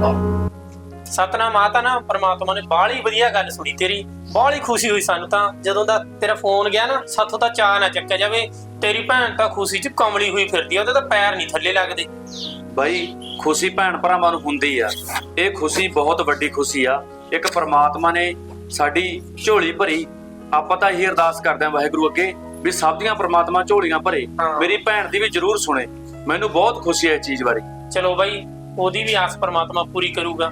ਸਤਨਾਮ ਆ ਤਾਂ ਨਾ ਪਰਮਾਤਮਾ ਨੇ ਬਾਹਲੀ ਵਧੀਆ ਗੱਲ ਸੁਣੀ ਤੇਰੀ। ਬਾਹਲੀ ਖੁਸ਼ੀ ਹੋਈ ਸਾਨੂੰ ਤਾਂ ਜਦੋਂ ਦਾ ਤੇਰਾ ਫੋਨ ਗਿਆ ਨਾ। ਸਾਥੋਂ ਤਾਂ ਚਾਹ ਨਾ ਚੱਕਿਆ ਜਾਵੇ। ਤੇਰੀ ਭੈਣ ਤਾਂ ਖੁਸ਼ੀ 'ਚ ਕਮਲੀ ਹੋਈ ਫਿਰਦੀ ਆ, ਉਹਦੇ ਤਾਂ ਪੈਰ ਨਹੀਂ ਥੱਲੇ ਲੱਗਦੇ। ਬਾਈ ਖੁਸ਼ੀ ਭੈਣ ਭਰਾਵਾਂ ਨੂੰ ਹੁੰਦੀ ਆ। ਇਹ ਖੁਸ਼ੀ ਬਹੁਤ ਵੱਡੀ ਖੁਸ਼ੀ ਆ। ਇੱਕ ਪਰਮਾਤਮਾ ਨੇ ਸਾਡੀ ਝੋਲੀ ਭਰੀ। ਆਪਾਂ ਤਾਂ ਇਹੀ ਅਰਦਾਸ ਕਰਦੇ ਆਂ ਵਾਹਿਗੁਰੂ ਅੱਗੇ ਵੀ ਸਭ ਦੀਆਂ ਪਰਮਾਤਮਾ ਝੋਲੀਆਂ ਭਰੇ। ਮੇਰੀ ਭੈਣ ਦੀ ਵੀ ਜ਼ਰੂਰ ਸੁਣੇ। ਮੈਨੂੰ ਬਹੁਤ ਖੁਸ਼ੀ ਹੈ ਇਸ ਚੀਜ਼ ਬਾਰੇ। ਚਲੋ ਬਾਈ, ਉਹਦੀ ਵੀ ਆਸ ਪਰਮਾਤਮਾ ਪੂਰੀ ਕਰੂਗਾ।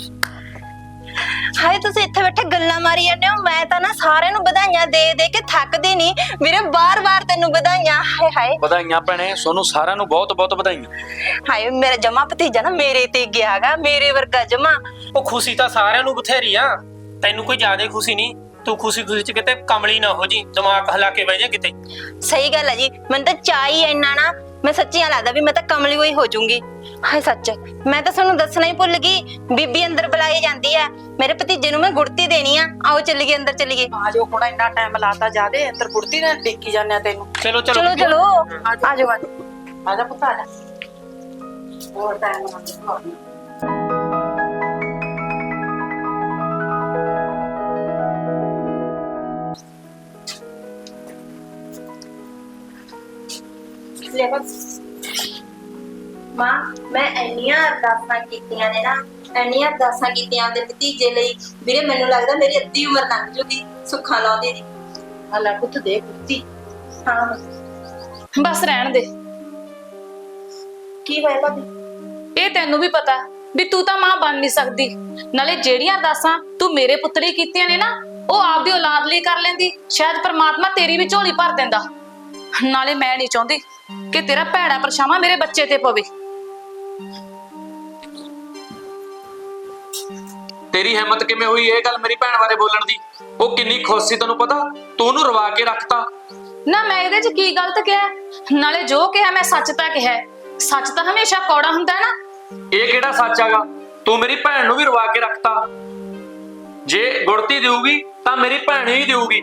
ਹਾਏ ਤੁਸੀਂ ਇੱਥੇ ਬੈਠੇ ਗੱਲਾਂ ਮਾਰੀ ਜਾਂਦੇ ਹੋ। ਮੈਂ ਤਾਂ ਨਾ ਸਾਰਿਆਂ ਨੂੰ ਵਧਾਈਆਂ ਦੇ ਦੇ ਕੇ ਥੱਕਦੀ ਨਹੀਂ ਵੀਰੇ। ਬਾਰ-ਬਾਰ ਤੈਨੂੰ ਵਧਾਈਆਂ। ਹਾਏ ਹਾਏ ਵਧਾਈਆਂ ਭੈਣੇ, ਤੁਹਾਨੂੰ ਸਾਰਿਆਂ ਨੂੰ ਬਹੁਤ ਬਹੁਤ ਵਧਾਈਆਂ। ਹਾਏ ਮੇਰਾ ਜਮਾ ਭਤੀਜਾ ਨਾ ਮੇਰੇ ਤੇ ਗਿਆਗਾ, ਮੇਰੇ ਵਰਗਾ ਜਮਾ। ਉਹ ਖੁਸ਼ੀ ਤਾਂ ਸਾਰਿਆਂ ਨੂੰ ਬਥੇਰੀ ਆ, ਤੈਨੂੰ ਕੋਈ ਜ਼ਿਆਦਾ ਖੁਸ਼ੀ ਨਹੀਂ। ਤੂੰ ਖੁਸ਼ੀ ਖੁਸ਼ੀ 'ਚ ਕਿਤੇ ਕਮਲੀ ਨਾ ਹੋ ਜੀ, ਦਿਮਾਗ ਹਿਲਾ ਕੇ ਬਹਿ ਜਾ ਕਿਤੇ। ਸਹੀ ਗੱਲ ਹੈ ਜੀ, ਮੈਨੂੰ ਤਾਂ ਚਾਹੀ ਇੰਨਾ ਨਾ, ਮੈਂ ਸੱਚੀਆਂ ਲੱਗਦਾ ਵੀ ਮੈਂ ਤਾਂ ਕਮਲੀ ਹੋਈ ਹੋ ਜਾਊਂਗੀ। ਹਾਏ ਸੱਚ, ਮੈਂ ਤਾਂ ਤੁਹਾਨੂੰ ਦੱਸਣਾ ਹੀ ਭੁੱਲ ਗਈ। ਬੀਬੀ ਅੰਦਰ ਬੁਲਾਈ ਜਾਂਦੀ ਹੈ। ਮੇਰੇ ਭਤੀਜੇ ਨੂੰ ਮੈਂ ਗੁੜਤੀ ਦੇਣੀ ਆ। ਆਓ ਚੱਲੀਏ ਅੰਦਰ ਚੱਲੀਏ। ਆ ਜਾਓ, ਹੁਣ ਇੰਨਾ ਟਾਈਮ ਲਾਤਾ ਜਾਦੇ ਅੰਦਰ ਗੁੜਤੀ ਨਾਲ ਦੇਖੀ ਜਾਂਦੇ ਆ ਤੈਨੂੰ। ਚਲੋ ਚਲੋ ਚਲੋ ਚਲੋ ਆ ਜਾਓ। ਆ ਜਾ ਪੁੱਤ ਆ ਜਾ। ਹੋਰ ਟਾਈਮ ਨਾਲ ਲੈ ਬਸ ਮਾਂ, ਮੈਂ ਇੰਨੀਆਂ ਅਰਦਾਸਾਂ ਕੀਤੀਆਂ ਨੇ ਨਾ, ਇੰਨੀਆਂ ਅਰਦਾਸਾਂ ਕੀਤੀਆਂ ਉਹਦੇ ਭਤੀਜੇ ਲਈ। ਵੀਰੇ ਮੈਨੂੰ ਲੱਗਦਾ ਮੇਰੀ ਅੱਧੀ ਉਮਰ ਲੰਘ ਜੂਗੀ ਸੁੱਖਾਂ ਲਾਉਂਦੀ ਦੀ। ਆ ਲੈ ਪੁੱਤ ਦੇ ਗੁੜਤੀ। ਹਾਂ ਬਸ ਰਹਿਣ ਦੇ। ਕੀ ਹੋਇਆ ਭਾਬੀ? ਇਹ ਤੈਨੂੰ ਵੀ ਪਤਾ ਵੀ ਤੂੰ ਤਾਂ ਮਾਂ ਬਣ ਨਹੀਂ ਸਕਦੀ। ਨਾਲੇ ਜਿਹੜੀਆਂ ਅਰਦਾਸਾਂ ਤੂੰ ਮੇਰੇ ਪੁੱਤ ਲਈ ਕੀਤੀਆਂ ਨੇ ਨਾ, ਉਹ ਆਪਦੀ ਔਲਾਦ ਲਈ ਕਰ ਲੈਂਦੀ, ਸ਼ਾਇਦ ਪਰਮਾਤਮਾ ਤੇਰੀ ਵੀ ਝੋਲੀ ਭਰ ਦਿੰਦਾ। ਨਾਲੇ ਮੈਂ ਨਹੀਂ ਚਾਹੁੰਦੀ ਕਿ ਤੇਰਾ ਭੈੜਾ ਪਰਛਾਵਾਂ ਮੇਰੇ ਬੱਚੇ ਤੇ ਪਵੇ। ਤੇਰੀ ਹਿੰਮਤ ਕਿਵੇਂ ਹੋਈ ਇਹ ਗੱਲ ਮੇਰੀ ਭੈਣ ਬਾਰੇ ਬੋਲਣ ਦੀ? ਉਹ ਕਿੰਨੀ ਖੁਸ਼ ਸੀ ਤੈਨੂੰ ਪਤਾ? ਤੂੰ ਉਹਨੂੰ ਰਵਾ ਕੇ ਰੱਖਤਾ। ਨਾ ਮੈਂ ਇਹਦੇ 'ਚ ਕੀ ਗਲਤ ਕਿਹਾ? ਨਾਲੇ ਜੋ ਕਿਹਾ ਮੈਂ ਸੱਚ ਤਾਂ ਕਿਹਾ। ਸੱਚ ਤਾਂ ਹਮੇਸ਼ਾ ਕੌੜਾ ਹੁੰਦਾ ਹੈ ਨਾ। ਇਹ ਕਿਹੜਾ ਸੱਚ ਹੈਗਾ? ਤੂੰ ਮੇਰੀ ਭੈਣ ਨੂੰ ਵੀ ਰਵਾ ਕੇ ਰੱਖਤਾ। ਜੇ ਗੁੜਤੀ ਦੇਊਗੀ ਤਾਂ ਮੇਰੀ ਭੈਣ ਹੀ ਦੇਊਗੀ।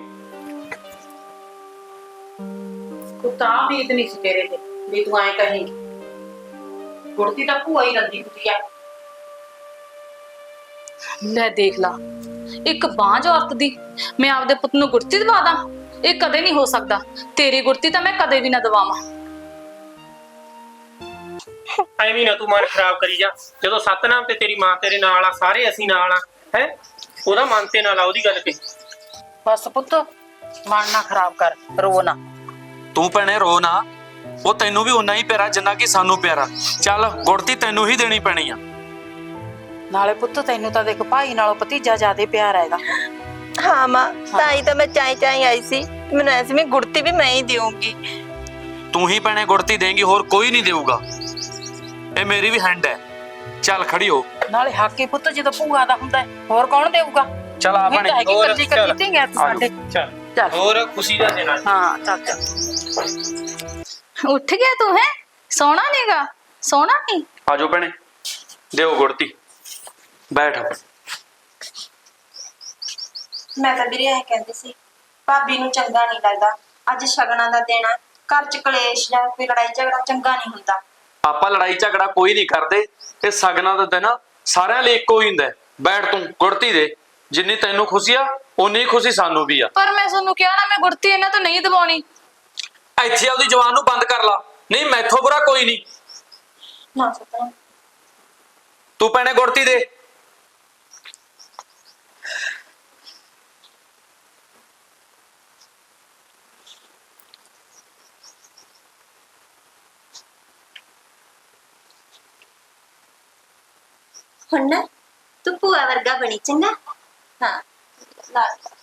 ਤੂੰ ਤਾਂ ਉਮੀਦ ਨਹੀਂ ਸੀ ਤੇਰੇ ਤੇ ਵੀ ਤੂੰ ਐਂ ਕਹੇਂਗੀ। ਗੁੜਤੀ ਤਾਂ ਭੂਆ ਹੀ ਰੰਦੀ ਹੁੰਦੀ ਆ। ਲੈ ਦੇਖ ਲਾ, ਇੱਕ ਬਾਂਝ ਔਰਤ ਦੀ ਮੈਂ ਆਪਦੇ ਪੁੱਤ ਨੂੰ ਗੁੜਤੀ ਦਵਾ ਦਾਂ? ਇਹ ਕਦੇ ਨਹੀਂ ਹੋ ਸਕਦਾ। ਤੇਰੀ ਗੁੜਤੀ ਤਾਂ ਮੈਂ ਕਦੇ ਵੀ ਨਾ ਦਵਾਵਾਂ। ਐਵੇਂ ਨਾ ਤੂੰ ਮਨ ਖਰਾਬ ਕਰੀ ਜਾ। ਜਦੋਂ ਸਤਨਾਮ ਤੇ ਤੇਰੀ ਮਾਂ ਤੇਰੇ ਨਾਲ ਆ, ਸਾਰੇ ਅਸੀਂ ਨਾਲ ਆ। ਹੈ ਉਹਦਾ ਮਨ ਤੇ ਨਾ ਲਾ ਉਹਦੀ ਗੱਲ ਤੇ। ਬਸ ਪੁੱਤ ਮਨ ਨਾ ਖਰਾਬ ਕਰ, ਰੋ ਨਾ। ਤੂੰ ਭੈਣੇ ਰੋ ਨਾ। ਉਹ ਤੈਨੂੰ ਵੀ ਉਨਾ ਹੀ ਪਿਆਰਾ ਜਿੰਨਾ ਕਿ ਸਾਨੂੰ ਪਿਆਰਾ। ਚੱਲ ਗੁੜਤੀ ਤੈਨੂੰ ਹੀ ਦੇਣੀ ਪੈਣੀ ਆ। ਨਾਲੇ ਪੁੱਤ ਤੈਨੂੰ ਤਾਂ ਦੇਖ ਭਾਈ ਨਾਲੋਂ ਭਤੀਜਾ ਜ਼ਿਆਦਾ ਪਿਆਰਾ ਹੈਗਾ। ਹਾਂ ਮਾਂ, ਤਾਂ ਹੀ ਤਾਂ ਮੈਂ ਚਾਈ ਆਈ ਸੀ। ਮੈਨੂੰ ਐਸੀ ਮੈਂ ਗੁੜਤੀ ਵੀ ਮੈਂ ਹੀ ਦੇਵਾਂਗੀ। ਤੂੰ ਹੀ ਭੈਣੇ ਗੁੜਤੀ ਦੇਂਗੀ, ਹੋਰ ਕੋਈ ਨਹੀਂ ਦੇਊਗਾ। ਇਹ ਮੇਰੀ ਵੀ ਹੈਂਡ ਹੈ। ਚੱਲ ਖੜੀ ਹੋ। ਨਾਲੇ ਹਾਕੀ ਪੁੱਤ ਜਦੋਂ ਭੂਆ ਦਾ ਹੁੰਦਾ ਹੈ, ਹੋਰ ਕੌਣ ਦੇਊਗਾ? ਚੱਲ ਆ ਭੈਣੇ। ਹੋਰ ਕਰਜੀ ਕੀਤੀ ਗਏ ਸਾਡੇ। ਚੱਲ ਚੱਲ ਹੋਰ ਖੁਸ਼ੀ ਦਾ ਦੇਣਾ। ਹਾਂ ਚੱਲ ਚੱਲ। ਉੱਠ ਗਿਆ ਤੂੰ? ਹੈ ਸੋਣਾ ਨੀਗਾ? ਸੋਣਾ ਨਹੀਂ? ਆਜੋ ਭੈਣੇ, ਦਿਓ ਗੁੜਤੀ। ਬੈਠ। ਮੈਂ ਤਾਂ ਵੀਰੇ ਐ ਕਹਿੰਦੀ ਸੀ, ਭਾਬੀ ਨੂੰ ਚੰਗਾ ਨਹੀਂ ਲੱਗਦਾ ਅੱਜ ਸ਼ਗਨਾਂ ਦਾ ਦਿਨ ਆ। ਘਰ ਚ ਕਲੇਸ਼ ਜਾਂ ਕੋਈ ਲੜਾਈ ਝਗੜਾ ਚੰਗਾ ਨਹੀਂ ਹੁੰਦਾ। ਆਪਾਂ ਲੜਾਈ ਝਗੜਾ ਕੋਈ ਨਹੀਂ ਕਰਦੇ। ਇਹ ਸਗਨਾਂ ਦਾ ਦਿਨ ਸਾਰਿਆਂ ਲਈ ਇੱਕੋ ਹੀ ਹੁੰਦਾ। ਬੈਠ ਤੂੰ ਗੁੜਤੀ ਦੇ। ਜਿੰਨੀ ਤੈਨੂੰ ਖੁਸ਼ੀ ਆ ਉਨੀ ਖੁਸ਼ੀ ਸਾਨੂੰ ਵੀ ਆ। ਪਰ ਮੈਂ ਤੁਹਾਨੂੰ ਕਿਹਾ ਨਾ, ਮੈਂ ਗੁੜਤੀ ਇਹਨਾਂ ਤੋਂ ਨਹੀਂ ਦਵਾਉਣੀ। ਇੱਥੇ ਆਪਦੀ ਜ਼ੁਬਾਨ ਨੂੰ ਬੰਦ ਕਰ ਲਾ, ਨਹੀਂ ਮੈਥੋਂ ਬੁਰਾ ਕੋਈ ਨਹੀਂ। ਨਾ ਸਤਨਾਮ, ਤੂੰ ਭੈਣੇ ਗੁੜਤੀ ਦੇ। ਹੁਣ ਨਾ ਤੂੰ ਭੂਆ ਵਰਗਾ ਬਣੀ ਚੰਗਾ। ਹਾਂ ਲਾ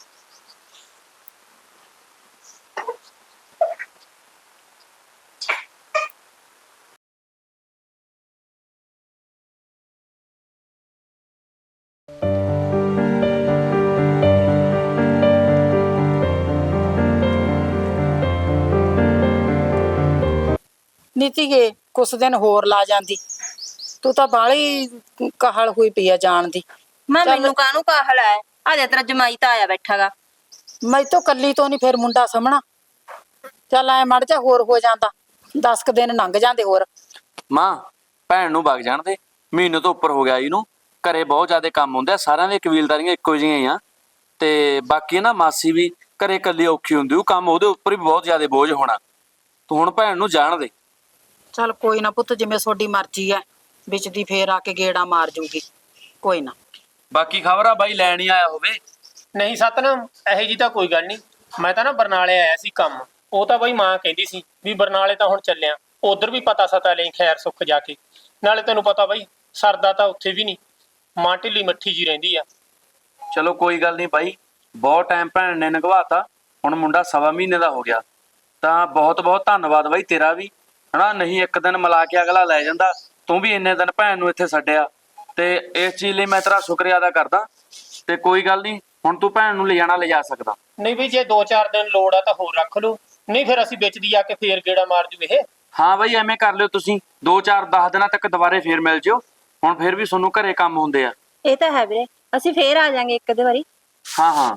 ਨੀਤੀਗੇ ਕੁਛ ਦਿਨ ਹੋਰ ਲਾ ਜਾਂਦੀ। ਤੂੰ ਤਾਂ ਬਾਹਲੀ ਕਾਹਲ ਹੋਈ ਪਈ ਆ ਜਾਣ ਦੀ। ਮਾਂ ਮੈਨੂੰ ਕਾਹਨੂੰ ਕਾਹਲ ਹੈ? ਆ ਜਾ ਤੇਰਾ ਜਮਾਈ ਤਾਂ ਆਇਆ ਬੈਠਾਗਾ। ਮੈਂ ਤਾਂ ਕੱਲੀ ਤੋਂ ਨਹੀਂ ਫਿਰ ਮੁੰਡਾ ਸਾਹਮਣਾ। ਚੱਲ ਐ ਮੜ ਜਾ ਹੋਰ ਹੋ ਜਾਂਦਾ। 10 ਦਿਨ ਲੰਘ ਜਾਂਦੇ ਹੋਰ। ਮਾਂ ਭੈਣ ਨੂੰ ਵਗ ਜਾਣ ਦੇ। ਮਹੀਨੇ ਤੋਂ ਉੱਪਰ ਹੋ ਗਿਆ ਇਹਨੂੰ। ਘਰੇ ਬਹੁਤ ਜ਼ਿਆਦਾ ਕੰਮ ਹੁੰਦੇ ਆ, ਸਾਰਿਆਂ ਦੀਆਂ ਕਬੀਲਦਾਰੀਆਂ ਇੱਕੋ ਜਿਹੀਆਂ ਹੀ ਆ। ਤੇ ਬਾਕੀ ਨਾ ਮਾਸੀ ਵੀ ਘਰੇ ਇਕੱਲੀ ਔਖੀ ਹੁੰਦੀ, ਉਹ ਕੰਮ ਉਹਦੇ ਉੱਪਰ ਵੀ ਬਹੁਤ ਜ਼ਿਆਦਾ ਬੋਝ ਹੋਣਾ। ਤੂੰ ਹੁਣ ਭੈਣ ਨੂੰ ਜਾਣ ਦੇ। ਚੱਲ ਕੋਈ ਨਾ ਪੁੱਤ, ਜਿਵੇਂ ਤੁਹਾਡੀ ਮਰਜ਼ੀ ਐ, ਵਿੱਚ ਦੀ ਫੇਰ ਆ ਕੇ ਗੇੜਾ ਮਾਰ ਜੂਗੀ, ਕੋਈ ਨਾ। ਬਾਕੀ ਖਬਰ ਆ ਬਾਈ ਲੈਣ ਹੀ ਆਇਆ ਹੋਵੇ। ਨਹੀਂ ਸਤਨਾਮ, ਇਹੋ ਜੀ ਤਾਂ ਕੋਈ ਗੱਲ ਨਹੀਂ। ਮੈਂ ਤਾਂ ਨਾ ਬਰਨਾਲੇ ਆਇਆ ਸੀ ਕੰਮ। ਉਹ ਤਾਂ ਬਈ ਮਾਂ ਕਹਿੰਦੀ ਸੀ ਵੀ ਬਰਨਾਲੇ ਤਾਂ ਹੁਣ ਚੱਲਿਆ, ਉਧਰ ਵੀ ਪਤਾ ਸਤਾ ਲਈ ਖੈਰ ਸੁੱਖ ਜਾ ਕੇ। ਨਾਲੇ ਤੈਨੂੰ ਪਤਾ ਬਈ ਸਰਦਾ ਤਾਂ ਉੱਥੇ ਵੀ ਨਹੀਂ, ਮਾਂ ਢਿੱਲੀ ਮੱਠੀ ਜੀ ਰਹਿੰਦੀ ਆ। ਚਲੋ ਕੋਈ ਗੱਲ ਨਹੀਂ ਬਾਈ, ਬਹੁਤ ਟਾਈਮ ਭੈਣ ਨੇ ਲੰਘਵਾਤਾ, ਹੁਣ ਮੁੰਡਾ 1.25 ਮਹੀਨੇ ਦਾ ਹੋ ਗਿਆ। ਤਾਂ ਬਹੁਤ ਬਹੁਤ ਧੰਨਵਾਦ ਬਾਈ ਤੇਰਾ ਵੀ, ਹਨਾ। ਨਹੀਂ ਇੱਕ ਦਿਨ ਮਿਲਾ ਕੇ ਅਗਲਾ ਲੈ ਜਾਂਦਾ, ਤੂੰ ਵੀ ਇੰਨੇ ਦਿਨ ਭੈਣ ਨੂੰ ਇੱਥੇ ਛੱਡਿਆ, ਤੇ ਇਸ ਚੀਜ਼ ਲਈ ਮੈਂ ਤੇਰਾ ਸ਼ੁਕਰੀਆ ਅਦਾ ਕਰਦਾ। ਤੇ ਕੋਈ ਗੱਲ ਨਹੀਂ, ਹੁਣ ਤੂੰ ਭੈਣ ਨੂੰ ਲਿਜਾ ਸਕਦਾ। ਨਹੀਂ ਵੀ ਜੇ 2-4 ਦਿਨ ਲੋੜ ਆ ਤਾਂ ਹੋਰ ਰੱਖ ਲਓ, ਨਹੀਂ ਫਿਰ ਅਸੀਂ ਵਿੱਚ ਦੀ ਆ ਕੇ ਫੇਰ ਗੇੜਾ ਮਾਰ ਜੂ ਇਹ। ਹਾਂ ਬਾਈ ਐਵੇਂ ਕਰ ਲਿਓ ਤੁਸੀਂ, 2-4-10 ਦਿਨਾਂ ਤੱਕ ਦੁਬਾਰੇ ਫੇਰ ਮਿਲ ਜਿਓ। ਹੁਣ ਫੇਰ ਵੀ ਤੁਹਾਨੂੰ ਘਰੇ ਕੰਮ ਹੁੰਦੇ ਆ। ਇਹ ਤਾਂ ਹੈ ਵੀਰੇ, ਅਸੀਂ ਫੇਰ ਆ ਜਾਾਂਗੇ ਇੱਕ ਅੱਧੇ ਵਾਰੀ। ਹਾਂ ਹਾਂ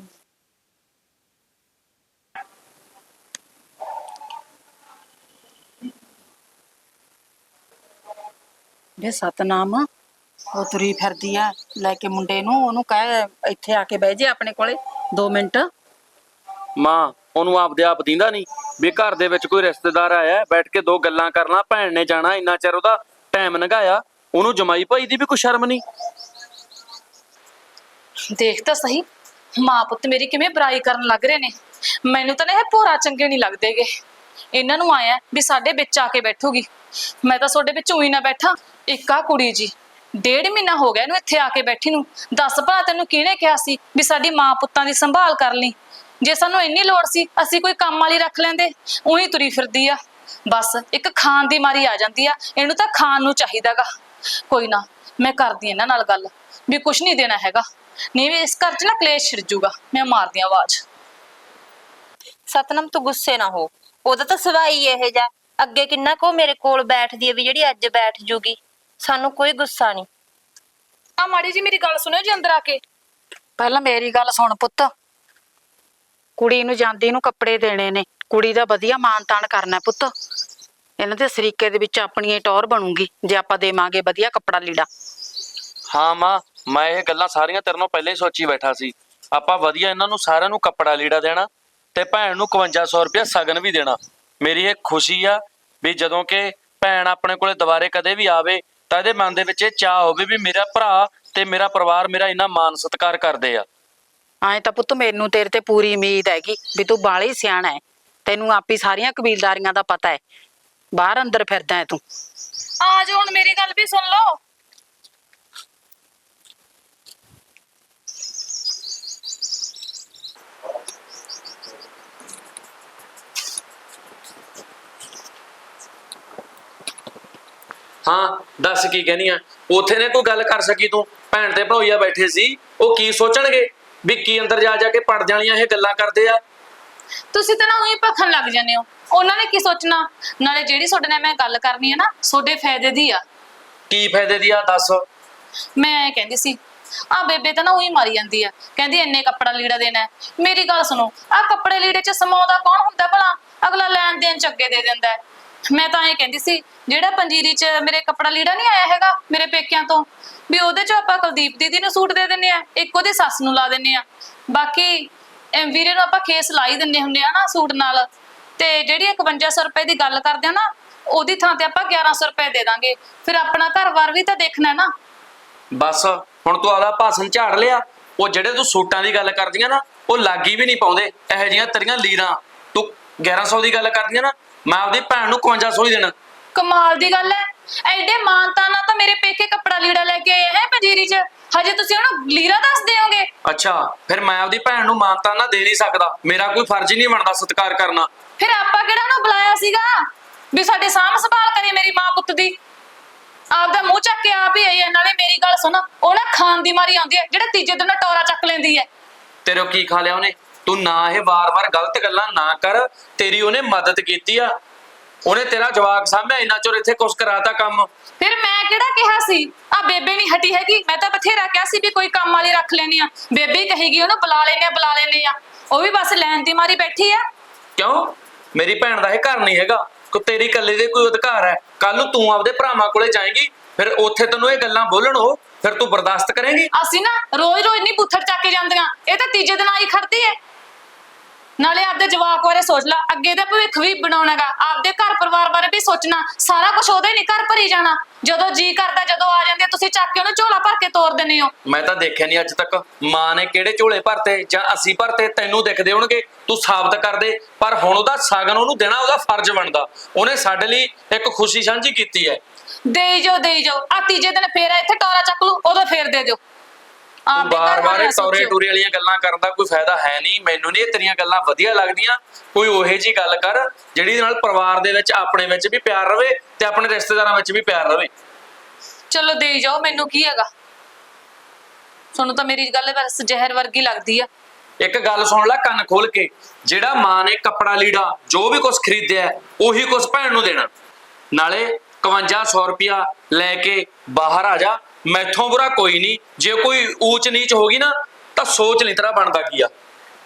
ਵੇ ਸਤਨਾਮ, ਉਹ ਤੁਰੀ ਫਿਰਦੀ ਐ ਲੈ ਕੇ ਮੁੰਡੇ ਨੂੰ, ਉਹਨੂੰ ਕਹਿ ਇੱਥੇ ਆ ਕੇ ਬਹਿ ਜੇ ਆਪਣੇ ਕੋਲੇ 2 ਮਿੰਟ। ਮਾਂ, ਉਹਨੂੰ ਆਪਦੇ ਆਪ ਦਿੰਦਾ ਨਹੀਂ ਵੀ ਘਰ ਦੇ ਵਿੱਚ ਕੋਈ ਰਿਸ਼ਤੇਦਾਰ ਆਇਆ, ਬੈਠ ਕੇ 2 ਗੱਲਾਂ ਕਰ ਲਾਂ। ਭੈਣ ਨੇ ਜਾਣਾ, ਇੰਨਾ ਚਿਰ ਉਹਦਾ ਟਾਈਮ ਲੰਘਾਇਆ, ਉਹਨੂੰ ਜਮਾਈ ਭਾਈ ਦੀ ਵੀ ਕੋਈ ਸ਼ਰਮ ਨਹੀਂ। ਦੇਖ ਤਾਂ ਸਹੀ, ਮਾਂ ਪੁੱਤ ਮੇਰੀ ਕਿਵੇਂ ਬੁਰਾਈ ਕਰਨ ਲੱਗ ਰਹੇ ਨੇ। ਮੈਨੂੰ ਤਾਂ ਨਾ ਇਹ ਭੋਰਾ ਚੰਗੇ ਨਹੀਂ ਲੱਗਦੇਗੇ। ਇਹਨਾਂ ਨੂੰ ਆਇਆ ਵੀ ਸਾਡੇ ਵਿੱਚ ਆ ਕੇ ਬੈਠੂਗੀ, ਮੈਂ ਤਾਂ ਤੁਹਾਡੇ ਵਿੱਚ ਉਹੀ ਨਾ ਬੈਠਾ। ਇੱਕ ਆ ਕੁੜੀ ਜੀ 1.5 ਮਹੀਨਾ ਹੋ ਗਿਆ ਇਹਨੂੰ ਇੱਥੇ ਆ ਕੇ ਬੈਠੀ ਨੂੰ। ਦੱਸ ਭਲਾ ਤੈਨੂੰ ਕਿਹਨੇ ਕਿਹਾ ਸੀ ਵੀ ਸਾਡੀ ਮਾਂ ਪੁੱਤਾਂ ਦੀ ਸੰਭਾਲ ਕਰ ਲਈ? ਜੇ ਸਾਨੂੰ ਇੰਨੀ ਲੋੜ ਸੀ ਅਸੀਂ ਕੋਈ ਕੰਮ ਵਾਲੀ ਰੱਖ ਲੈਂਦੇ। ਉਹੀ ਤੁਰੀ ਫਿਰਦੀ ਆ, ਬਸ ਇੱਕ ਖਾਣ ਦੀ ਮਾਰੀ ਆ ਜਾਂਦੀ ਆ। ਇਹਨੂੰ ਤਾਂ ਖਾਣ ਨੂੰ ਚਾਹੀਦਾਗਾ। ਕੋਈ ਨਾ, ਮੈਂ ਕਰਦੀ ਇਹਨਾਂ ਨਾਲ ਗੱਲ ਵੀ ਕੁਛ ਨਹੀਂ ਦੇਣਾ ਹੈਗਾ, ਨਹੀਂ ਵੀ ਇਸ ਘਰ 'ਚ ਨਾ ਕਲੇਸ਼ ਛਿੜ ਜੂਗਾ। ਮੈਂ ਮਾਰਦੀ ਆ ਆਵਾਜ਼। ਸਤਨਾਮ ਤੂੰ ਗੁੱਸੇ ਨਾ ਹੋ, ਉਹਦਾ ਤਾਂ ਸੁਭਾਅ ਹੀ ਇਹੋ ਜਿਹਾ। ਅੱਗੇ ਕਿੰਨਾ ਕੋ ਮੇਰੇ ਕੋਲ ਬੈਠਦੀ ਹੈ ਵੀ ਜਿਹੜੀ ਅੱਜ ਬੈਠ ਜੂਗੀ। ਸਾਨੂੰ ਕੋਈ ਗੁੱਸਾ ਨਹੀਂ। ਆ ਮਾੜੀ ਜੀ ਮੇਰੀ ਗੱਲ ਸੁਣਿਓ ਜੀ ਅੰਦਰ ਆ ਕੇ। ਪਹਿਲਾਂ ਮੇਰੀ ਗੱਲ ਸੁਣ ਪੁੱਤ, ਕੁੜੀ ਨੂੰ ਜਾਂਦੀ ਨੂੰ ਕੱਪੜੇ ਦੇਣੇ ਨੇ, ਕੁੜੀ ਦਾ ਵਧੀਆ ਮਾਨ ਤਾਨ ਕਰਨਾ ਪੁੱਤ। ਇਹਨਾਂ ਦੇ ਸਰੀਕੇ ਦੇ ਵਿੱਚ ਆਪਣੀ ਹੀ ਟੌਰ ਬਣੂਗੀ ਜੇ ਆਪਾਂ ਦੇਵਾਂਗੇ ਵਧੀਆ ਕੱਪੜਾ ਲੀੜਾ। ਹਾਂ ਮਾਂ, ਮੈਂ ਇਹ ਗੱਲਾਂ ਸਾਰੀਆਂ ਤੇਰੇ ਨਾਲ ਪਹਿਲਾਂ ਹੀ ਸੋਚੀ ਬੈਠਾ ਸੀ। ਆਪਾਂ ਵਧੀਆ ਇਹਨਾਂ ਨੂੰ ਸਾਰਿਆਂ ਨੂੰ ਕੱਪੜਾ ਲੀੜਾ ਦੇਣਾ, ਤੇ ਭੈਣ ਨੂੰ 5500 ਰੁਪਇਆ ਸ਼ਗਨ ਵੀ ਦੇਣਾ। ਮੇਰੀ ਇਹ ਖੁਸ਼ੀ ਆ ਵੀ ਜਦੋਂ ਕਿ ਭੈਣ ਆਪਣੇ ਕੋਲੇ ਦੁਬਾਰੇ ਕਦੇ ਵੀ ਆਵੇ ਤਾਂ ਇਹਦੇ ਮਨ ਦੇ ਵਿੱਚ ਇਹ ਚਾਹ ਹੋਵੇ ਵੀ ਮੇਰਾ ਭਰਾ ਤੇ ਮੇਰਾ ਪਰਿਵਾਰ ਮੇਰਾ ਇੰਨਾ ਮਾਨ ਸਤਿਕਾਰ ਕਰਦੇ ਆ। ਐਂ ਤਾਂ ਪੁੱਤ ਮੈਨੂੰ ਤੇਰੇ ਤੇ ਪੂਰੀ ਉਮੀਦ ਹੈਗੀ ਵੀ ਤੂੰ ਬਾਹਲਾ ਹੀ ਸਿਆਣਾ ਹੈ, ਤੈਨੂੰ ਆਪੀ ਸਾਰੀਆਂ ਕਬੀਲਦਾਰੀਆਂ ਦਾ ਪਤਾ ਹੈ, ਬਾਹਰ ਅੰਦਰ ਫਿਰਦਾ ਹੈ ਤੂੰ। ਆ ਜਾਓ, ਹੁਣ ਮੇਰੀ ਗੱਲ ਵੀ ਸੁਣ ਲਓ। ਹਾਂ ਦੱਸ ਕੀ ਕਹਿਨੀ ਆ? ਉਥੇ ਨੇ ਕੋਈ ਗੱਲ ਕਰ ਸਕੀ ਤੂੰ? ਭੈਣ ਤੇ ਭੌਈਆ ਬੈਠੇ ਸੀ, ਉਹ ਕੀ ਸੋਚਣਗੇ ਵੀ ਕੀ ਅੰਦਰ ਜਾ ਜਾ ਕੇ ਪੜ ਜਾਣੀਆਂ ਇਹ ਗੱਲਾਂ ਕਰਦੇ ਆ। ਤੁਸੀਂ ਤਾਂ ਨਾ ਉਹੀ ਭਖਣ ਲੱਗ ਜਾਂਦੇ ਹੋ, ਉਹਨਾਂ ਨੇ ਕੀ ਸੋਚਣਾ। ਨਾਲੇ ਜਿਹੜੀ ਤੁਹਾਡੇ ਨਾਲ ਮੈਂ ਗੱਲ ਕਰਨੀ ਹੈ ਨਾ, ਤੁਹਾਡੇ ਫਾਇਦੇ ਦੀ ਆ। ਕੀ ਫਾਇਦੇ ਦੀ ਆ ਦੱਸ? ਮੈਂ ਐ ਕਹਿੰਦੀ ਸੀ, ਆ ਬੇਬੇ ਤਾਂ ਨਾ ਉਹੀ ਮਾਰੀ ਜਾਂਦੀ ਆ, ਕਹਿੰਦੀ ਇੰਨੇ ਕੱਪੜਾ ਲੀੜਾ ਦੇਣਾ ਹੈ। ਮੇਰੀ ਗੱਲ ਸੁਣੋ, ਆ ਕੱਪੜੇ ਲੀੜੇ 'ਚ ਸਮਾਉਂਦਾ ਕੌਣ ਹੁੰਦਾ ਭਲਾ? ਅਗਲਾ ਲੈਣ ਦੇਣ 'ਚ ਅੱਗੇ ਦੇ ਦਿੰਦਾ ਹੈ। ਮੈਂ ਤਾਂ ਇਹ ਕਹਿੰਦੀ ਸੀ, ਜਿਹੜਾ ਪੰਜੀਰੀ 'ਚ ਮੇਰੇ ਕੱਪੜਾ ਲੀੜਾ ਨਹੀਂ ਆਇਆ ਹੈਗਾ ਮੇਰੇ ਪੇਕਿਆਂ ਤੋਂ, ਵੀ ਉਹਦੇ 'ਚ ਆਪਾਂ ਕੁਲਦੀਪ ਦੀਦੀ ਨੂੰ ਸੂਟ ਦੇ ਦਿੰਨੇ ਆ, ਇੱਕ ਉਹਦੇ ਸੱਸ ਨੂੰ ਲਾ ਦਿੰਨੇ ਆ, ਬਾਕੀ ਵੀਰੇ ਨੂੰ ਆਪਾਂ ਖੇਸ ਲਾ ਦਿੰਨੇ ਹੁੰਦੇ ਆ ਨਾ ਸੂਟ ਨਾਲ। ਤੇ ਜਿਹੜੀ 5100 ਰੁਪਏ ਦੀ ਗੱਲ ਕਰਦੇ ਆ ਨਾ, ਉਹਦੀ ਥਾਂ ਤੇ ਆਪਾਂ 1100 ਰੁਪਏ ਦੇ ਦਾਂਗੇ। ਫਿਰ ਆਪਣਾ ਘਰ-ਬਾਰ ਵੀ ਤਾਂ ਦੇਖਣਾ ਨਾ। ਬਸ ਹੁਣ ਤੂੰ ਆਦਾ ਭਾਸ਼ਣ ਝਾੜ ਲਿਆ। ਉਹ ਜਿਹੜੇ ਤੂੰ ਸੂਟਾਂ ਦੀ ਗੱਲ ਕਰਦੀਆਂ ਨਾ, ਉਹ ਲਾਗੀ ਵੀ ਨਹੀਂ ਪਾਉਂਦੇ ਇਹੋ ਜਿਹੀਆਂ ਤੇਰੀਆਂ ਲੀਰਾਂ। ਤੂੰ 1100 ਦੀ ਗੱਲ ਕਰਦੀਆਂ ਨਾ, ਮੈਂ ਆਪਦੀ ਭੈਣ ਨੂੰ 5500 ਹੀ ਦੇਣਾ। ਕਮਾਲ ਦੀ ਗੱਲ ਹੈ, ਐਡੇ ਮਾਨਤਾ ਨਾਲ ਤਾਂ ਮੇਰੇ ਪੇਕੇ ਕੱਪੜਾ ਲੀੜਾ ਲੈ ਕੇ ਆਏ ਹੈ ਪੰਜੀਰੀ 'ਚ, ਹਜੇ ਤੁਸੀਂ ਉਹਨੂੰ ਲੀਰਾ ਦੱਸ ਦਿਓਗੇ? ਅੱਛਾ, ਫਿਰ ਮੈਂ ਆਪਦੀ ਭੈਣ ਨੂੰ ਮਾਨਤਾ ਨਾ ਦੇ ਨਹੀਂ ਸਕਦਾ? ਮੇਰਾ ਕੋਈ ਫਰਜ਼ ਹੀ ਨਹੀਂ ਬਣਦਾ ਸਤਿਕਾਰ ਕਰਨਾ? ਫਿਰ ਆਪਾਂ ਕਿਹੜਾ ਉਹਨੂੰ ਬੁਲਾਇਆ ਸੀਗਾ ਵੀ ਸਾਡੇ ਸਾਂਭ ਸੰਭਾਲ ਕਰੇ ਮੇਰੀ ਮਾਂ ਪੁੱਤ ਦੀ? ਆਪਦਾ ਮੂੰਹ ਚੱਕ ਕੇ ਆਪ ਹੀ ਆਈ ਹੈ। ਨਾਲੇ ਮੇਰੀ ਗੱਲ ਸੁਣ, ਉਹ ਨਾ ਖਾਣ ਦੀ ਮਾਰੀ ਆਉਂਦੀ ਹੈ, ਜਿਹੜਾ ਤੀਜੇ ਦਿਨ ਟੋਰਾ ਚੱਕ ਲੈਂਦੀ ਹੈ। ਤੇਰੇ ਕੀ ਖਾ ਲਿਆ ਉਹਨੇ? ਤੂੰ ਨਾ ਇਹ ਵਾਰ-ਵਾਰ ਗਲਤ ਗੱਲਾਂ ਨਾ ਕਰ। ਤੇਰੀ ਉਹਨੇ ਮਦਦ ਕੀਤੀ ਆ, ਉਹਨੇ ਤੇਰਾ ਜਵਾਕ ਸਾਂਭਿਆ, ਇੰਨਾ ਚਿਰ ਇੱਥੇ ਕੁਛ ਕਰਾਤਾ ਕੰਮ। ਫਿਰ ਮੈਂ ਕਿਹੜਾ ਕਿਹਾ ਸੀ? ਆ ਬੇਬੇ ਨਹੀਂ ਹਟੀ ਹੈਗੀ, ਮੈਂ ਤਾਂ ਬਥੇਰਾ ਕਿਹਾ ਸੀ ਵੀ ਕੋਈ ਕੰਮ ਵਾਲੀ ਰੱਖ ਲੈਣੀ ਆ। ਬੇਬੇ ਹੀ ਕਹੇਗੀ ਉਹਨੂੰ ਬੁਲਾ ਲੈਨੇ ਆ, ਉਹ ਵੀ ਬਸ ਲੈਣ ਦੀ ਮਾਰੀ ਬੈਠੀ ਆ। ਕਿਉਂ? ਮੇਰੀ ਭੈਣ ਦਾ ਇਹ ਘਰ ਨਹੀਂ ਹੈਗਾ, ਕੋ ਤੇਰੀ ਇਕੱਲੇ ਦੇ ਕੋਈ ਅਧਿਕਾਰ ਹੈ? ਕੱਲ ਨੂੰ ਤੂੰ ਆਪਦੇ ਭਰਾਵਾਂ ਕੋਲੇ ਜਾਏਂਗੀ, ਫਿਰ ਉੱਥੇ ਤੈਨੂੰ ਇਹ ਗੱਲਾਂ ਬੋਲਣ ਉਹ ਫਿਰ ਤੂੰ ਬਰਦਾਸ਼ਤ ਕਰੇਂਗੀ? ਅਸੀਂ ਨਾ ਰੋਜ਼-ਰੋਜ਼ ਨਹੀਂ ਬੁੱਥੜ ਚੱਕ ਕੇ ਜਾਂਦੀਆਂ, ਇਹ ਤਾਂ ਤੀਜੇ ਦਿਨ ਆਈ ਖੜਦੀ ਹੈ। ਨਾਲੇ ਆਪਦੇ ਜਵਾਕ ਬਾਰੇ ਸੋਚ ਲੈ, ਅੱਗੇ ਦਾ ਭਵਿੱਖ ਵੀ ਬਣਾਉਣਾਗਾ, ਆਪਦੇ ਘਰ ਪਰਿਵਾਰ ਬਾਰੇ ਵੀ ਸੋਚਣਾ। ਸਾਰਾ ਕੁਝ ਉਹਦੇ ਨਹੀਂ ਘਰ ਭਰੀ ਜਾਣਾ। ਜਦੋਂ ਜੀ ਕਰਦਾ ਜਦੋਂ ਆ ਜਾਂਦੇ ਤੁਸੀਂ ਚੱਕ ਕੇ ਉਹਨੂੰ ਝੋਲਾ ਭਰ ਕੇ ਤੋਰ ਦਿੰਦੇ ਹੋ। ਮੈਂ ਤਾਂ ਦੇਖਿਆ ਨਹੀਂ ਅੱਜ ਤੱਕ ਮਾਂ ਨੇ ਕਿਹੜੇ ਝੋਲੇ ਭਰਤੇ ਜਾਂ ਅਸੀਂ ਭਰਤੇ। ਤੈਨੂੰ ਦਿਖਦੇ ਹੋਣਗੇ, ਤੂੰ ਸਾਬਤ ਕਰ ਦੇ। ਪਰ ਹੁਣ ਉਹਦਾ ਸਾਗਨ ਉਹਨੂੰ ਦੇਣਾ ਉਹਦਾ ਫਰਜ਼ ਬਣਦਾ। ਉਹਨੇ ਸਾਡੇ ਲਈ ਇੱਕ ਖੁਸ਼ੀ ਸਾਂਝੀ ਕੀਤੀ ਹੈ। ਦੇਈ ਜਾਓ। ਆ ਤੀਜੇ ਦਿਨ ਫੇਰ ਇੱਥੇ ਟੋਰਾ ਚੱਕ ਲੂ, ਉਦੋਂ ਫੇਰ ਦੇ ਦਿਓ। ਆਪਦੇ ਘਰ ਬਾਰ-ਬਾਰ ਬਾਰੇ ਟੌਰੇ ਸੋਚਿਓ। ਟੂਰੇ ਵਾਲੀਆਂ ਗੱਲਾਂ ਕਰਨ ਦਾ ਕੋਈ ਫਾਇਦਾ ਹੈ ਨਹੀਂ। ਮੈਨੂੰ ਨਹੀਂ ਇਹ ਤੇਰੀਆਂ ਗੱਲਾਂ ਵਧੀਆ ਲੱਗਦੀਆਂ। ਕੋਈ ਉਹੇ ਜੀ ਗੱਲ ਕਰ ਜਿਹੜੀ ਨਾਲ ਪਰਿਵਾਰ ਦੇ ਵਿੱਚ ਆਪਣੇ ਵਿੱਚ ਵੀ ਪਿਆਰ ਰਵੇ ਤੇ ਆਪਣੇ ਰਿਸ਼ਤੇਦਾਰਾਂ ਵਿੱਚ ਵੀ ਪਿਆਰ ਰਵੇ। ਚਲੋ ਦੇਈ ਜਾਓ, ਮੈਨੂੰ ਕੀ ਹੈਗਾ। ਤੁਹਾਨੂੰ ਤਾਂ ਮੇਰੀ ਗੱਲ ਬਸ ਜ਼ਹਿਰ ਵਰਗੀ ਲੱਗਦੀ ਆ। ਇੱਕ ਗੱਲ ਸੁਣ ਲੈ ਕੰਨ ਖੋਲ ਕੇ, ਜਿਹੜਾ ਮਾਂ ਨੇ ਕੱਪੜਾ ਲੀੜਾ ਜੋ ਵੀ ਕੁਝ ਖਰੀਦਿਆ ਉਹੀ ਕੁਝ ਭੈਣ ਨੂੰ ਦੇਣਾ। ਨਾਲੇ 5100 ਰੁਪਇਆ ਲੈ ਕੇ ਬਾਹਰ ਆ ਜਾ। ਮੈਥੋਂ ਬੁਰਾ ਕੋਈ ਨਹੀਂ। ਜੇ ਕੋਈ ਊਚ ਨੀਚ ਹੋ ਗਈ ਨਾ ਤਾਂ ਸੋਚ ਲਈ ਤੇਰਾ ਬਣਦਾ ਕੀ ਆ।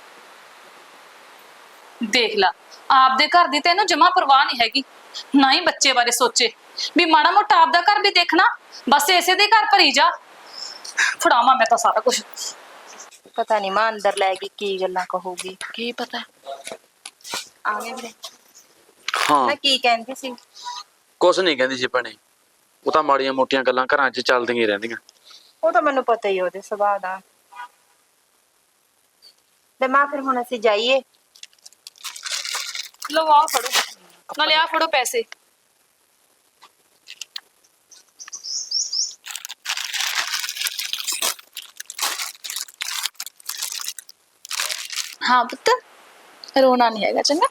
ਦੇਖ ਲਾ, ਆਪਦੇ ਘਰ ਦੀ ਤੈਨੂੰ ਜਮਾ ਪਰਵਾਹ ਨਹੀਂ ਹੈਗੀ, ਨਾ ਹੀ ਬੱਚੇ ਬਾਰੇ ਸੋਚੇ ਵੀ ਮਾੜਾ ਮੋਟਾ ਆਪਦਾ ਘਰ ਵੀ ਦੇਖਣਾ। ਬਸ ਇਸੇ ਦੇ ਘਰ ਭਰੀ ਜਾ। ਫੜਾਵਾਂ ਮੈਂ ਤਾਂ ਸਾਰਾ ਕੁਝ। ਪਤਾ ਨਹੀਂ ਮਾਂ ਅੰਦਰ ਲੈ ਗਈ ਕੀ ਗੱਲਾਂ ਕਹੂਗੀ। ਕੀ ਪਤਾ। ਆ ਗਏ ਵੀਰੇ। ਹਾਂ, ਮੈਂ ਕੀ ਕਹਿੰਦੀ ਸੀ? ਕੁਛ ਨਹੀਂ ਕਹਿੰਦੀ ਸੀ ਭੈਣੇ। ਉਹ ਤਾਂ ਮਾੜੀਆਂ ਮੋਟੀਆਂ ਗੱਲਾਂ ਘਰਾਂ 'ਚ ਚੱਲਦੀਆਂ ਹੀ ਰਹਿੰਦੀਆਂ। ਉਹ ਤਾਂ ਮੈਨੂੰ ਪਤਾ ਹੀ ਉਹਦੇ ਸੁਭਾਅ ਦਾ। ਤੇ ਮਾਂ ਫਿਰ ਹੁਣ ਅਸੀਂ ਜਾਈਏ? ਲਓ ਆਹ ਫੜੋ, ਨਾਲੇ ਆਹ ਫੜੋ ਪੈਸੇ। ਹਾਂ ਪੁੱਤ, ਰੋਣਾ ਨਹੀਂ ਹੈਗਾ, ਚੰਗਾ।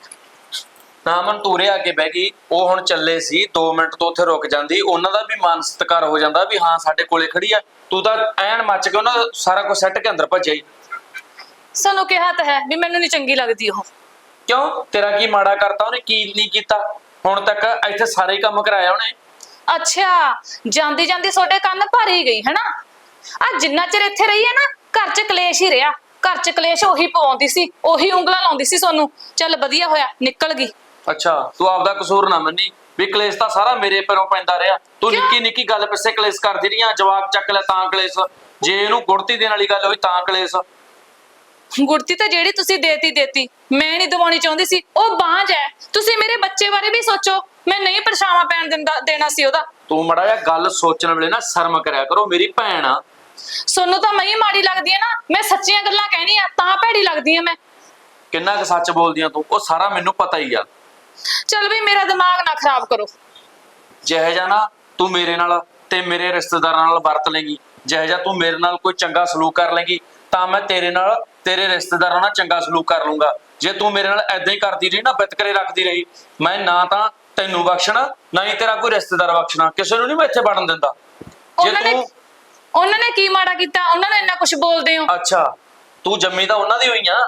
ਨਾ ਮਨ ਤੂਰੇ ਆ ਕੇ ਬਹਿ ਗਈ। ਉਹ ਹੁਣ ਚੱਲੇ ਸੀ 2 ਮਿੰਟ ਤੋਂ ਉੱਥੇ ਰੁਕ ਜਾਂਦੀ। ਉਹਨਾਂ ਦਾ ਵੀ ਮਨ ਸਤਿਕਾਰ ਹੋ ਜਾਂਦਾ ਵੀ ਹਾਂ ਸਾਡੇ ਕੋਲੇ ਖੜੀ ਆ। ਤੂੰ ਤਾਂ ਐਨ ਮੱਚ ਕੇ ਉਹਨਾਂ ਦਾ ਸਾਰਾ ਕੁਝ ਸੱਟ ਕੇ ਅੰਦਰ ਭੱਜਿਆ ਹੀ। ਸਾਨੂੰ ਕਿਹਾ ਤਾਂ ਹੈ ਵੀ ਮੈਨੂੰ ਨਹੀਂ ਚੰਗੀ ਲੱਗਦੀ ਉਹ। ਕਿਉਂ? ਤੇਰਾ ਕੀ ਮਾੜਾ ਕਰਤਾ ਉਹਨੇ? ਕੀ ਨਹੀਂ ਕੀਤਾ ਹੁਣ ਤੱਕ? ਇੱਥੇ ਸਾਰੇ ਹੀ ਕੰਮ ਕਰਾਇਆ ਉਹਨੇ। ਅੱਛਾ, ਜਾਂਦੀ ਜਾਂਦੀ ਤੁਹਾਡੇ ਕੰਨ ਭਰ ਹੀ ਗਈ ਹੈ ਨਾ। ਆ ਜਿੰਨਾ ਚਿਰ ਇੱਥੇ ਰਹੀ ਹੈ ਨਾ, ਘਰ 'ਚ ਕਲੇਸ਼ ਹੀ ਰਿਹਾ। ਘਰ 'ਚ ਕਲੇਸ਼ ਉਹੀ ਪਵਾਉਂਦੀ ਸੀ, ਉਹੀ ਉਂਗਲਾਂ ਲਾਉਂਦੀ ਸੀ ਤੁਹਾਨੂੰ। ਚੱਲ ਵਧੀਆ ਹੋਇਆ ਨਿਕਲ ਗਈ। ਅੱਛਾ, ਤੂੰ ਆਪਦਾ ਕਸੂਰ ਨਾ ਮੰਨੀ ਵੀ ਕਲੇਸ਼ ਤਾਂ ਸਾਰਾ ਮੇਰੇ ਪੈਰੋਂ ਪੈਂਦਾ ਰਿਹਾ। ਤੂੰ ਨਿੱਕੀ ਨਿੱਕੀ ਗੱਲ ਪਿੱਛੇ ਕਲੇਸ਼ ਕਰਦੀ ਰਹੀਆਂ। ਜਵਾਕ ਚੱਕ ਲੈ ਤਾਂ ਕਲੇਸ਼, ਜੇ ਇਹਨੂੰ ਗੁੜਤੀ ਦੇਣ ਵਾਲੀ ਗੱਲ ਹੋਈ ਤਾਂ ਕਲੇਸ਼। ਗੁੜਤੀ ਤਾਂ ਜਿਹੜੀ ਤੁਸੀਂ ਦੇਤੀ, ਮੈਂ ਨਹੀਂ ਦਵਾਉਣੀ ਚਾਹੁੰਦੀ ਸੀ। ਉਹ ਬਾਂਝ ਹੈ। ਤੁਸੀਂ ਮੇਰੇ ਬੱਚੇ ਬਾਰੇ ਵੀ ਸੋਚੋ। ਮੈਂ ਨਹੀਂ ਪਰਛਾਵਾਂ ਪੈਣ ਦੇਣਾ ਸੀ ਉਹਦਾ। ਤੂੰ ਮੜਾ ਜਿਹਾ ਗੱਲ ਸੋਚਣ ਵੇਲੇ ਨਾ ਸ਼ਰਮ ਕਰਿਆ ਕਰੋ। ਮੇਰੀ ਭੈਣ ਆ। ਸੋਨੂੰ ਤਾਂ ਮੈਂ ਹੀ ਮਾੜੀ ਲੱਗਦੀ ਹੈ ਨਾ। ਮੈਂ ਸੱਚੀਆਂ ਗੱਲਾਂ ਕਹਿਣੀ ਆ ਤਾਂ ਭੈੜੀ ਲੱਗਦੀ ਆ ਮੈਂ। ਕਿੰਨਾ ਕੁ ਸੱਚ ਬੋਲਦੀਆਂ ਤੂੰ, ਉਹ ਸਾਰਾ ਮੈਨੂੰ ਪਤਾ ਹੀ ਆ। ਚੱਲ ਵੀ ਮੇਰਾ ਦਿਮਾਗ ਨਾ ਖਰਾਬ ਕਰੋ। ਜਿਹੇ ਜਾ ਨਾ ਤੂੰ ਮੇਰੇ ਨਾਲ ਤੇ ਮੇਰੇ ਰਿਸ਼ਤੇਦਾਰਾਂ ਨਾਲ ਵਰਤ ਲੇਗੀ, ਜਿਹੇ ਜਾ ਤੂੰ ਮੇਰੇ ਨਾਲ ਕੋਈ ਚੰਗਾ ਸਲੂਕ ਕਰ ਲੇਗੀ ਤਾਂ ਮੈਂ ਤੇਰੇ ਨਾਲ ਤੇਰੇ ਰਿਸ਼ਤੇਦਾਰਾਂ ਨਾਲ ਚੰਗਾ ਸਲੂਕ ਕਰ ਲੂੰਗਾ। ਜੇ ਤੂੰ ਮੇਰੇ ਨਾਲ ਐਦਾਂ ਹੀ ਕਰਦੀ ਰਹੀ ਨਾ, ਵਿਤਕਰੇ ਰੱਖਦੀ ਰਹੀ, ਮੈਂ ਨਾ ਤਾਂ ਤੈਨੂੰ ਬਖਸ਼ਣਾ ਨਾ ਹੀ ਤੇਰਾ ਕੋਈ ਰਿਸ਼ਤੇਦਾਰ ਬਖਸ਼ਣਾ। ਕਿਸੇ ਨੂੰ ਨਹੀਂ ਮੈਂ ਇੱਥੇ ਵੜਨ ਦਿੰਦਾ। ਜੇ ਉਹਨਾਂ ਨੇ ਕੀ ਮਾੜਾ ਕੀਤਾ? ਉਹਨਾਂ ਨੇ ਇੰਨਾ ਕੁਝ ਬੋਲਦੇ ਹੋ। ਅੱਛਾ, ਤੂੰ ਜੰਮੀ ਤਾਂ ਉਹਨਾਂ ਦੀ ਹੋਈ ਆ।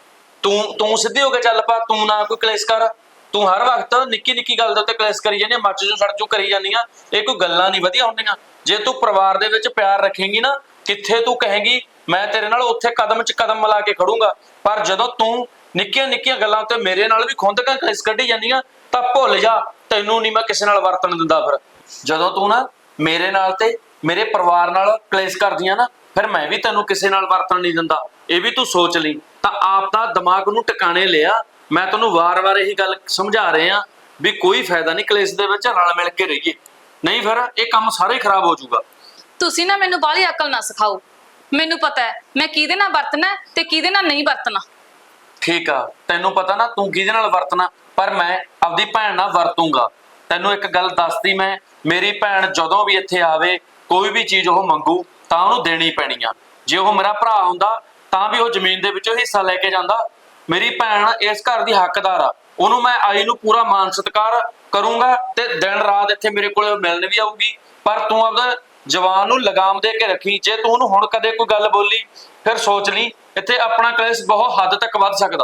ਤੂੰ ਸਿੱਧੀ ਹੋ ਕੇ ਚੱਲ ਪਾ। ਤੂੰ ਨਾ ਕੋਈ ਕਲੇਸ਼ ਕਰ। ਤੂੰ ਹਰ ਵਕਤ ਨਿੱਕੀ ਨਿੱਕੀ ਗੱਲ ਦੇ ਉੱਤੇ ਕਲੇਸ਼ ਕਰੀ ਜਾਂਦੀ ਆ, ਮੱਚ ਜੂ ਸੜ ਜੂ ਕਰੀ ਜਾਂਦੀ ਆ। ਇਹ ਕੋਈ ਗੱਲਾਂ ਨਹੀਂ ਵਧੀਆ ਹੁੰਦੀਆਂ। ਜੇ ਤੂੰ ਪਰਿਵਾਰ ਦੇ ਵਿੱਚ ਪਿਆਰ ਰੱਖੇਂਗੀ ਨਾ, ਕਿੱਥੇ ਤੂੰ ਕਹੇਂਗੀ ਮੈਂ ਤੇਰੇ ਨਾਲ ਉੱਥੇ ਕਦਮ 'ਚ ਕਦਮ ਮਿਲਾ ਕੇ ਖੜੂੰਗਾ। ਪਰ ਜਦੋਂ ਤੂੰ ਨਿੱਕੀਆਂ ਨਿੱਕੀਆਂ ਗੱਲਾਂ ਉੱਤੇ ਮੇਰੇ ਨਾਲ ਵੀ ਖੁੰਦਕਾਂ ਕਲੇਸ਼ ਕੱਢੀ ਜਾਂਦੀ ਆ ਤਾਂ ਭੁੱਲ ਜਾ, ਤੈਨੂੰ ਨਹੀਂ ਮੈਂ ਕਿਸੇ ਨਾਲ ਵਰਤਣ ਦਿੰਦਾ। ਫਿਰ ਜਦੋਂ ਤੂੰ ਨਾ ਮੇਰੇ ਨਾਲ ਤੇ ਮੇਰੇ ਪਰਿਵਾਰ ਨਾਲ ਕਲੇਸ਼ ਕਰਦੀਆਂ ਨਾ, ਫਿਰ ਮੈਂ ਵੀ ਤੈਨੂੰ ਕਿਸੇ ਨਾਲ ਵਰਤਣ ਨਹੀਂ ਦਿੰਦਾ। ਇਹ ਵੀ ਤੂੰ ਸੋਚ ਲਈ। ਤਾਂ ਆਪ ਦਾ ਦਿਮਾਗ ਨੂੰ ਟਿਕਾਣੇ ਲਿਆ। ਮੈਂ ਤੈਨੂੰ ਵਾਰ-ਵਾਰ ਇਹੀ ਗੱਲ ਸਮਝਾ ਰਿਹਾ ਵੀ ਕੋਈ ਫਾਇਦਾ ਨਹੀਂ ਕਲੇਸ਼ ਦੇ ਵਿੱਚ, ਰਲ ਮਿਲ ਕੇ ਰਹੀਏ, ਨਹੀਂ ਫਿਰ ਇਹ ਕੰਮ ਸਾਰੇ ਖਰਾਬ ਹੋ ਜਾਊਗਾ। ਤੁਸੀਂ ਨਾ ਮੈਨੂੰ ਬਾਹਲੀ ਅਕਲ ਨਾ ਸਿਖਾਓ। ਮੈਨੂੰ ਪਤਾ ਹੈ ਮੈਂ ਕਿਹਦੇ ਨਾਲ ਵਰਤਣਾ ਤੇ ਕਿਹਦੇ ਨਾਲ ਨਹੀਂ ਵਰਤਣਾ। ਠੀਕ ਆ, ਤੈਨੂੰ ਪਤਾ ਨਾ ਤੂੰ ਕਿਹਦੇ ਨਾਲ ਵਰਤਣਾ, ਪਰ ਮੈਂ ਆਪਦੀ ਭੈਣ ਨਾਲ ਵਰਤੂੰਗਾ। ਤੈਨੂੰ ਇੱਕ ਗੱਲ ਦੱਸਦੀ ਮੈਂ, ਮੇਰੀ ਭੈਣ ਜਦੋਂ ਵੀ ਇੱਥੇ ਆਵੇ ਕੋਈ ਵੀ ਚੀਜ਼ ਉਹ ਮੰਗੂ ਤਾਂ ਉਹਨੂੰ ਦੇਣੀ ਪੈਣੀ ਆ। ਜੇ ਉਹ ਮੇਰਾ ਭਰਾ ਹੁੰਦਾ ਤਾਂ ਵੀ ਉਹ ਜ਼ਮੀਨ ਦੇ ਵਿੱਚੋਂ ਹਿੱਸਾ ਲੈ ਕੇ ਜਾਂਦਾ। ਮੇਰੀ ਭੈਣ ਇਸ ਘਰ ਦੀ ਹੱਕਦਾਰ ਆ। ਉਹਨੂੰ ਮੈਂ ਆਈ ਨੂੰ ਪੂਰਾ ਮਾਨ ਸਤਿਕਾਰ ਕਰੂੰਗਾ ਤੇ ਦਿਨ ਰਾਤ ਇੱਥੇ ਮੇਰੇ ਕੋਲੇ ਮਿਲਣ ਵੀ ਆਊਗੀ। ਪਰ ਤੂੰ ਆਪਦਾ ਜਵਾਨ ਨੂੰ ਲਗਾਮ ਦੇ ਕੇ ਰੱਖੀ। ਜੇ ਤੂੰ ਉਹਨੂੰ ਹੁਣ ਕਦੇ ਕੋਈ ਗੱਲ ਬੋਲੀ ਫਿਰ ਸੋਚ ਲਈ ਇੱਥੇ ਆਪਣਾ ਕਲੇਸ਼ ਬਹੁਤ ਹੱਦ ਤੱਕ ਵੱਧ ਸਕਦਾ।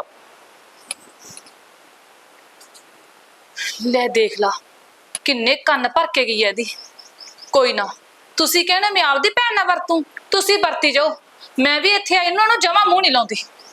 ਲੈ ਦੇਖ ਲਾ ਕਿੰਨੇ ਕੰਨ ਭਰ ਕੇ ਗਈ ਐ ਇਹਦੀ। ਕੋਈ ਨਾ, ਤੁਸੀਂ ਕਹਿੰਦੇ ਮੈਂ ਆਪਦੀ ਭੈਣ ਨਾਲ ਵਰਤੂੰ, ਤੁਸੀਂ ਵਰਤੀ ਜਾਓ। ਮੈਂ ਵੀ ਇੱਥੇ ਆਈ ਨੂੰ ਜਮਾ ਮੂੰਹ ਨਹੀਂ ਲਾਉਂਦੀ।